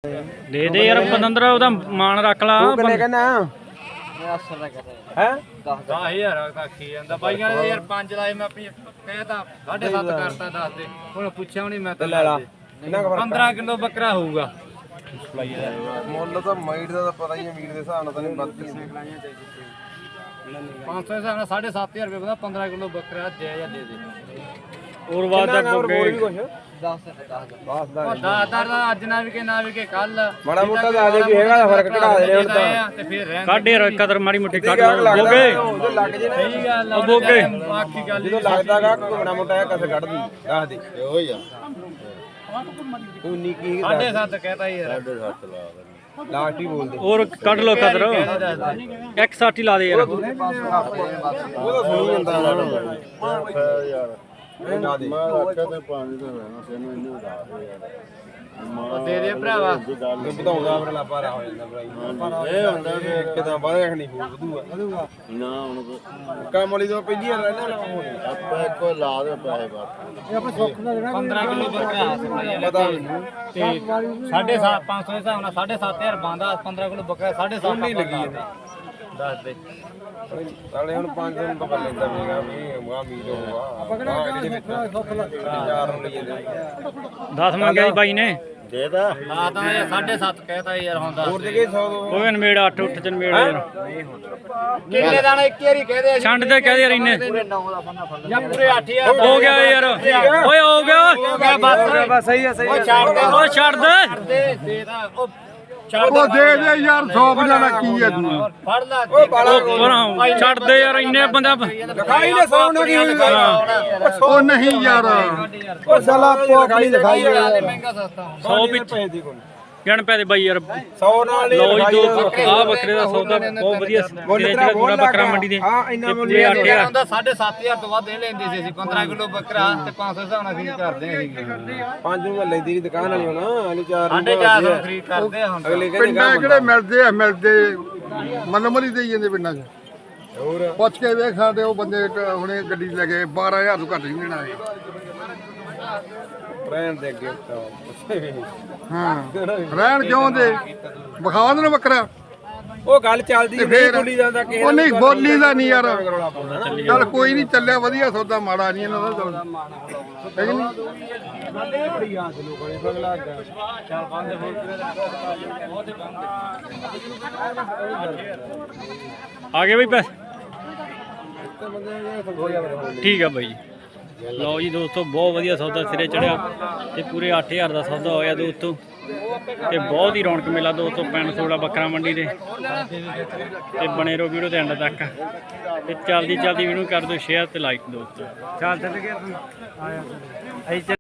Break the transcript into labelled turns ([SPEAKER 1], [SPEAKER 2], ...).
[SPEAKER 1] ਦੇ ਦੇ ਯਾਰ ਪਤੰਦਰਾ ਉਹਦਾ ਮਾਣ ਰੱਖ ਲਾ।
[SPEAKER 2] ਕਿੰਨੇ ਕਹਿੰਦਾ ਹੈ
[SPEAKER 3] 10000 ਆਖੀ ਜਾਂਦਾ ਬਾਈਆਂ ਨੇ ਯਾਰ 5 ਲਾਏ ਮੈਂ ਆਪਣੀ ਕਹਿਤਾ 7.5 ਕਰਤਾ ਦੱਸ ਦੇ ਹੁਣ ਪੁੱਛਿਆ ਵੀ ਨਹੀਂ ਮੈਂ ਤਾਂ
[SPEAKER 2] ਲੈ ਲਾ ਕਿੰਨਾ ਕੁ
[SPEAKER 3] 15 ਕਿਲੋ ਬੱਕਰਾ ਹੋਊਗਾ
[SPEAKER 2] ਮੁੱਲ ਤਾਂ ਮਾਈਟ ਦਾ ਤਾਂ ਪਤਾ ਹੀ ਹੈ, ਮੀਟ ਦੇ ਹਿਸਾਬ ਨਾਲ ਤਾਂ ਨਹੀਂ ਵੱਧਦੀ
[SPEAKER 3] 500 ਦੇ ਹਿਸਾਬ ਨਾਲ 7500 ਰੁਪਏ ਬੰਦਾ 15 ਕਿਲੋ ਬੱਕਰਾ ਦੇ ਜਾਂ ਦੇ ਦੇ
[SPEAKER 1] ਹੋਰ ਬਾਤ ਦਾ
[SPEAKER 2] ਹੋਰ ਵੀ ਕੁਛ
[SPEAKER 3] 10
[SPEAKER 2] ਬਸ ਦਾ
[SPEAKER 3] ਦਾ ਅੱਜ ਨਾ ਵੀ ਕੇ ਕੱਲ
[SPEAKER 2] ਮਾੜਾ ਮੋਟਾ ਤਾਂ ਆ ਜੇ ਵੀ ਹੈਗਾ ਤਾਂ ਫਰਕ ਘਟਾ ਦੇ ਹੁਣ ਤਾਂ
[SPEAKER 3] ਤੇ ਫਿਰ ਰਹਿਣ
[SPEAKER 1] ਕੱਢ ਯਾਰ ਕਦਰ ਮਾੜੀ ਮੁੱਠੀ ਕੱਢ
[SPEAKER 2] ਬੋਗੇ
[SPEAKER 1] ਬੋਗੇ
[SPEAKER 2] ਲੱਗ ਜੇ ਨਾ
[SPEAKER 3] ਸਹੀ ਗੱਲ ਆ
[SPEAKER 1] ਬੋਗੇ
[SPEAKER 3] ਆਖੀ ਗੱਲ
[SPEAKER 2] ਜਦੋਂ ਲੱਗਦਾਗਾ ਮਾੜਾ ਮੋਟਾ ਕਸ ਕੱਢਦੀ ਦੱਸ ਦੇ
[SPEAKER 4] ਇਹੋ ਹੀ ਆ
[SPEAKER 2] ਉਨੀ ਕੀ
[SPEAKER 3] 7.5 ਕਹਿਤਾ ਯਾਰ
[SPEAKER 4] 7.5 ਲਾ ਦੇ
[SPEAKER 2] ਲਾਸਟ ਹੀ ਬੋਲਦੇ
[SPEAKER 1] ਹੋਰ ਕੱਢ ਲੋ ਕਦਰ 160 ਲਾ ਦੇ ਯਾਰ
[SPEAKER 2] ਉਹ ਤਾਂ ਸੁਣੀ ਜਾਂਦਾ
[SPEAKER 4] ਯਾਰ
[SPEAKER 2] ਨਾ ਦੇ
[SPEAKER 4] ਮੈਂ ਆਖਿਆ ਤੇ ਪਾਣੀ ਤੇ ਰਹਿਣਾ ਤੈਨੂੰ ਇਹਨੂੰ ਉਡਾ ਦੇ ਯਾਰ
[SPEAKER 3] ਦੇ ਦੇ ਭਰਾਵਾ
[SPEAKER 2] ਇਹ ਵਧਾਉਂਦਾ ਫਿਰ ਲਾਪਾਰਾ ਹੋ ਜਾਂਦਾ ਭਾਈ
[SPEAKER 4] ਇਹ ਹੁੰਦਾ ਵੀ
[SPEAKER 2] ਕਿਦਾਂ ਵਧਿਆ ਰੱਖਣੀ ਵਧੂਗਾ
[SPEAKER 4] ਨਾ ਹੁਣ
[SPEAKER 2] ਕੰਮ ਵਾਲੀ ਤੋਂ ਪਹਿਲੀ ਵਾਰ ਰਹਿਣਾ ਨਾ ਹੋਣੀ
[SPEAKER 4] ਆਪਾਂ ਇੱਕੋ ਲਾ ਦੇ ਪੈਸੇ ਬਸ
[SPEAKER 3] 15 ਕਿਲੋ ਬੱਕਰਾ
[SPEAKER 2] ਪਤਾ ਮੈਨੂੰ
[SPEAKER 3] ਤੇ 550 ਦੇ ਹਿਸਾਬ ਨਾਲ 7500 ਬੰਦਾ 15 ਕਿਲੋ ਬੱਕਰਾ 7.5
[SPEAKER 2] ਨਹੀਂ ਲੱਗੀ ਇਹਦੇ
[SPEAKER 3] ਦੱਸ ਦੇ
[SPEAKER 2] ਸਾਲੇ ਹੁਣ 5 ਦਿਨ ਤੋਂ ਲੈਂਦਾ ਪਏਗਾ ਵੀ ਮਾ ਮੀਟ ਹੋਊਗਾ ਆਪਾਂ ਕਿਹੜਾ ਸੁੱਖ ਲੱਗਦਾ ਯਾਰ ਨੂੰ ਲਈ ਜਾਂਦੇ
[SPEAKER 1] 10 ਮੰਗਿਆ ਜੀ ਬਾਈ ਨੇ
[SPEAKER 4] ਦੇ ਦਾ
[SPEAKER 3] ਹਾਂ ਤਾਂ ਇਹ 7.5 ਕਹਿਤਾ ਯਾਰ ਹੁਣ ਦੱਸ
[SPEAKER 2] ਹੋਰ ਦੇ ਕੇ 100
[SPEAKER 1] ਕੋਈ ਨਵੇੜ 8 ਉੱਠ ਚ ਨਵੇੜ ਯਾਰ
[SPEAKER 3] ਕਿੰਨੇ ਦਾਣਾ ਇੱਕ ਵਾਰੀ ਕਹਦੇ
[SPEAKER 1] ਛੰਡ ਤੇ ਕਹਿ ਦੇ ਯਾਰ ਇੰਨੇ
[SPEAKER 3] ਜਾਂ ਪੂਰੇ 8000
[SPEAKER 1] ਹੋ ਗਿਆ ਯਾਰ ਓਏ ਹੋ ਗਿਆ
[SPEAKER 2] ਬਸ ਸਹੀ ਆ ਸਹੀ
[SPEAKER 3] ਉਹ ਛੱਡ ਦੇ
[SPEAKER 1] ਓ ਛੱਡ ਦੇ
[SPEAKER 3] ਦੇ ਦਾ ਉਹ
[SPEAKER 4] ਉਹ ਦੇ ਦੇ ਯਾਰ 100 ਬਣਾ ਕੀ ਹੈ ਤੂੰ
[SPEAKER 3] ਫੜ ਲਾ
[SPEAKER 2] ਉਹ ਬਾਲਾ
[SPEAKER 1] ਪਰਾਂ ਛੱਡ ਦੇ ਯਾਰ ਇੰਨੇ ਬੰਦਾ
[SPEAKER 2] ਲਿਖਾਈ ਨੇ 100 ਨਾ ਕੀ
[SPEAKER 4] ਉਹ ਨਹੀਂ ਯਾਰ
[SPEAKER 2] ਉਹ ਸਾਲਾ ਲਿਖਾਈ ਲਿਖਾਈ
[SPEAKER 3] ਮਹਿੰਗਾ ਸਸਤਾ
[SPEAKER 1] 100 ਵਿੱਚ
[SPEAKER 2] ਪੈਸੇ ਦੀ ਕੋਈ
[SPEAKER 1] ਗਿਣ ਪੈ ਦੇ ਬਾਈ ਯਾਰ
[SPEAKER 2] 100 ਨਾਲ ਹੀ
[SPEAKER 1] ਲਓ ਜੀ
[SPEAKER 2] ਲਿਖਾਈ
[SPEAKER 1] ਦੋ ਆ ਬੱਕਰੇ ਦਾ ਸੌਦਾ ਬਹੁਤ ਵਧੀਆ ਸਿਰੇ ਚੜਾ ਪੂਰਾ ਬੱਕਰਾ ਮੰਡੀ ਦੇ
[SPEAKER 2] ਹਾਂ ਇੰਨਾ ਮੁੱਲ
[SPEAKER 1] ਤੇ 8000
[SPEAKER 3] ਹੁੰਦਾ 7.5 ਤੋਂ ਵੱਧ ਇਹ ਲੈਂਦੇ ਸੀ ਅਸੀਂ 15 ਕਿਲੋ ਬੱਕਰਾ ਤੇ 500 ਹਿਸਾਬ ਨਾਲ ਖਰੀਦ ਕਰਦੇ ਸੀ
[SPEAKER 2] ਪੰਜ ਨੂੰ ਲੈਂਦੀ ਦੀ ਦੁਕਾਨ ਵਾਲੀ ਹੁਣ ਅਲੀ 4
[SPEAKER 3] 450 ਖਰੀਦ ਕਰਦੇ ਆ ਹੁਣ
[SPEAKER 2] ਅਗਲੇ ਕਹਿੰਦੇ
[SPEAKER 4] ਪਿੰਡਾਂ ਕਿਹੜੇ ਮਿਲਦੇ ਮਨਮਰੀ ਦੇ ਜਾਂਦੇ ਪਿੰਡਾਂ 'ਚ
[SPEAKER 2] ਹੋਰ
[SPEAKER 4] ਪੁੱਛ ਕੇ ਵੇਖ ਸਾਡੇ ਉਹ ਬੰਦੇ ਹੁਣੇ ਗੱਡੀ ਲੈ ਗਏ 12000 ਤੋਂ ਘੱਟ ਨਹੀਂ ਦੇਣਾ
[SPEAKER 2] ਰਹਿਣ ਦੇ ਅੱਗੇ
[SPEAKER 4] ਹਾਂ ਰਹਿਣ ਕਿਉਂ ਦੇ ਵਿਖਾ ਦੇਣ ਬੱਕਰਾ
[SPEAKER 2] ਉਹ ਗੱਲ ਚੱਲਦੀ ਨਹੀਂ ਬੋਲੀ ਜਾਂਦਾ ਕਿਸੇ
[SPEAKER 4] ਉਹ ਨਹੀਂ ਬੋਲੀ ਦਾ ਨਹੀਂ ਯਾਰ
[SPEAKER 2] ਰੌਲਾ ਪਾਉਂਦਾ ਨਾ
[SPEAKER 4] ਚੱਲ ਕੋਈ ਨਹੀਂ ਚੱਲਿਆ ਵਧੀਆ ਸੌਦਾ ਮਾੜਾ ਨਹੀਂ ਇਹਨਾਂ ਦਾ ਚੱਲ ਹੈ ਕਿ ਨਹੀਂ
[SPEAKER 2] ਬੜੀ ਆਸ ਲੋਕਾਂ ਨੇ ਫਗਲਾ ਗਿਆ
[SPEAKER 3] ਚੱਲ ਬੰਦ ਹੋ
[SPEAKER 1] ਆ ਗਏ ਬਈ ਪੈਸੇ ਠੀਕ ਆ ਬਾਈ ਲਓ ਜੀ ਦੋਸਤੋ ਬਹੁਤ ਵਧੀਆ ਸੌਦਾ ਸਿਰੇ ਚੜਿਆ ਤੇ ਪੂਰੇ 8000 ਦਾ ਸੌਦਾ ਹੋਇਆ ਦੋਸਤੋ ਤੇ ਬਹੁਤ ਹੀ ਰੌਣਕ ਮੇਲਾ ਦੋਸਤੋ ਪਿੰਡ ਸੋੜਾ ਬੱਕਰਾ ਮੰਡੀ ਦੇ ਤੇ ਬਣੇ ਰਹੋ ਵੀਡੀਓ ਦੇ ਐਂਡ ਤੱਕ ਤੇ ਜਲਦੀ ਵੀਡੀਓ ਕਰ ਦਿਓ ਸ਼ੇਅਰ ਤੇ ਲਾਈਕ ਦੋਸਤੋ
[SPEAKER 2] ਚੱਲ ਚੱਲ ਗਿਆ ਤੂੰ ਆਇਆ